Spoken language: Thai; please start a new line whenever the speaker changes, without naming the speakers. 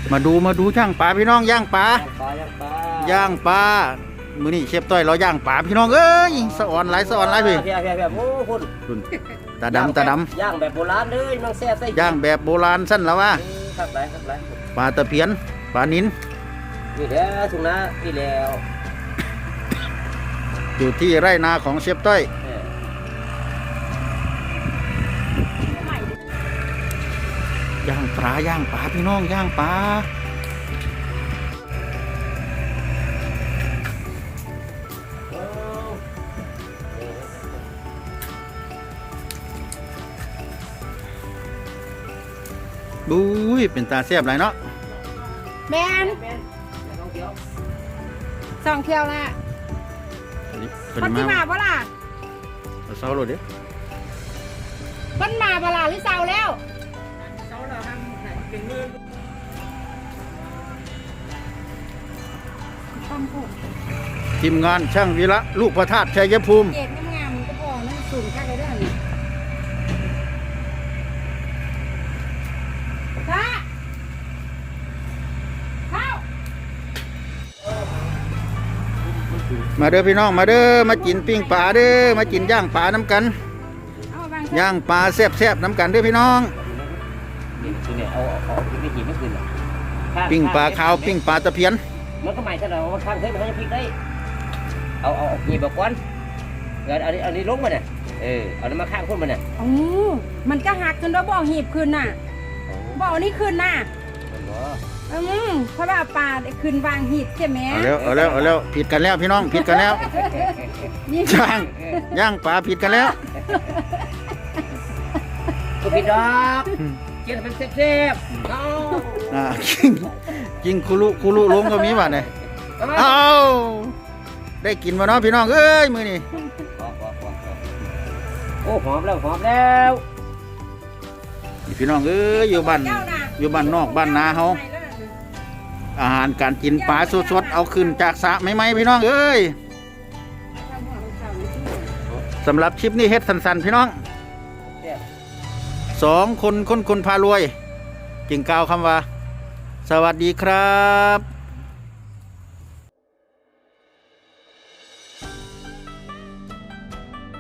มาดูย่างปลาพี่น้องย่างปลา
ย่างปลา
ย่างปลามื้อนี้เชฟต้อยเราย่างปลาพี่น้องเอ้ยสะอ่อนหลายพี่
เพียโอ้คุณ
ตาดำ
ย่างแบบโบราณเลยน้องแซ่บใส่
ย่างแบบโบราณสั้นแล้วว่า
ครับไร
ปลาตะเพียนปลานิล
นี่แหละถุงนะนี่แล้ว
อยู่ที่ไร่นาของเชฟต้อยย่างปลาพี่น้องย่างปลาบุ้ยเป็นตาแซ่บไรเนาะ
แมนสองเที่ยวละมันที่มาบ่ล่ะ
เศร้าเลยเด้
มันมาบ่ล่ะหรือเศร้าแล้วต้องพูด
ทีมงานช่างวีระลูกพระธาตุชัยภูมิ
เอ็ดงามๆก็พอนั่นสูงแค่ไหนได้นี่ข้าเข้า
มาเด้อพี่น้องมาเด้อมากินปิ้งปลาเด้อมากินย่างปลาน้ำกัน
เอาบาง
ย่างปลาแซ่บๆน้ำกันเด้อพี่น้อง
นี่คือเนี่ยเอาไม่กินไม่คืนหรอก
ปิ้งปลาขาวปิ้งปลาตะเพียน
มันก็หมายถึงเราข้างเท่มันจะพลิกได้เอาหยิบแบบก้อนอันนี้ล้มมาเนี่ยเอาน้ำมาข้างคนมันเนี่ย
อ๋อมันก็หักจนเราบ่อหีบคืนน่ะบ่อนี่คืนน่ะเพราะว่าปลาคืนวางหีบใช่ไหม
เอาแล้วผิดกันแล้วพี่น้องผิดกันแล้ว
นี่
ย่างปลาผิดกันแล้ว
ก็ผิดดอกกินเป็นเซ็บๆเอา
กินคุลุลงก็มีบ้านเลยเอาได้กินมาเนาะพี่น้องเอ้ยมือนี่
โอ้หอมแล้ว
พี่น้องเอ้ยอยู่บ้านนอกบ้านนาเฮาอาหารการกินปลาสดๆเอาขึ้นจากสระใหม่ๆพี่น้องเอ้ยสำหรับคลิปนี้เฮ็ดสั้นๆพี่น้อง2 คนพารวยจึงกล่าวคำว่าสวัสดีครับ